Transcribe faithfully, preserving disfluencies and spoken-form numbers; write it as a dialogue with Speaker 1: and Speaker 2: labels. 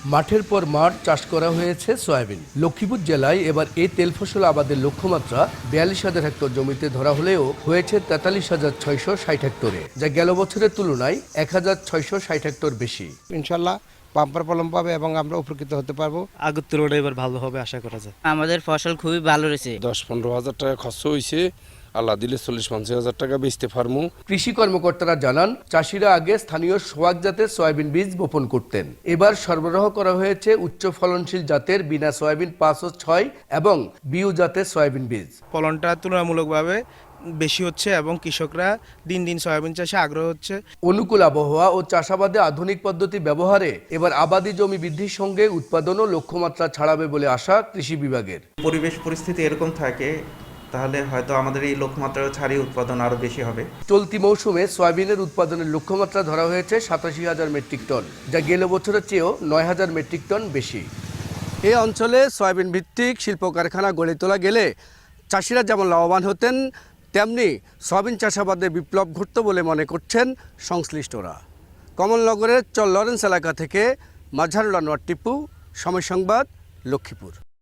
Speaker 1: মাঠের পর মাঠ চাষ করা হয়েছে সয়াবিন। লক্ষ্মীপুর জেলায় এবার এই তেল ফসল আবাদের লক্ষ্যমাত্রা বিয়াল্লিশ হাজার হেক্টর জমিতে ধরা হলেও হয়েছে তেতাল্লিশ হাজার ছয়শো ষাট হেক্টরে, যা গেল বছরের তুলনায় এক হাজার ছয়শো ষাট হেক্টর বেশি।
Speaker 2: ইনশাল্লাহ বাম্পার ফলন পাবে এবং আমরা উপকৃত হতে পারবো।
Speaker 3: আগের তুলনায় এবার ভালো হবে আশা করা যায়।
Speaker 4: আমাদের ফসল খুবই ভালো রয়েছে।
Speaker 5: দশ পনেরো হাজার টাকা খরচ হয়েছে, আল্লাহ দিলে চল্লিশ পঞ্চাশ হাজার টাকা বেচতে পারবো।
Speaker 1: কৃষি কর্মকর্তারা জানান, চাষিরা আগে স্থানীয় সোয়াক জাতের সয়াবিন বীজ বপন করতেন। এবার সরবরাহ করা হয়েছে উচ্চ ফলনশীল জাতের বিনা সয়াবিন পাঁচ ও ছয় এবং বিউ জাতের সয়াবিন বীজ।
Speaker 3: ফলনটা তুলনামূলকভাবে বেশি হচ্ছে এবং কৃষকরা দিন দিন সয়াবিন চাষে আগ্রহ হচ্ছে।
Speaker 1: অনুকূল আবহাওয়া ও চাষাবাদে আধুনিক পদ্ধতি ব্যবহারে এবার আবাদি জমি বৃদ্ধির সঙ্গে উৎপাদনও লক্ষ্যমাত্রা ছাড়াবে বলে আশা কৃষি বিভাগের।
Speaker 6: পরিবেশ পরিস্থিতি এরকম থাকে তাহলে হয়তো আমাদের এই লক্ষ্যমাত্রা ছাড়িয়ে উৎপাদন আরও বেশি হবে।
Speaker 1: চলতি মৌসুমে সয়াবিনের উৎপাদনের লক্ষ্যমাত্রা ধরা হয়েছে সাতাশি হাজার মেট্রিক টন, যা গেল বছরের চেয়েও নয় হাজার মেট্রিক টন বেশি। এই অঞ্চলে সয়াবিন ভিত্তিক শিল্প কারখানা গড়ে তোলা গেলে চাষিরা যেমন লাভবান হতেন, তেমনি সয়াবিন চাষাবাদে বিপ্লব ঘটত বলে মনে করছেন সংশ্লিষ্টরা। কমলনগরের চর লরেন্স এলাকা থেকে মাজহারুল আনোয়ার টিপু, সময় সংবাদ, লক্ষ্মীপুর।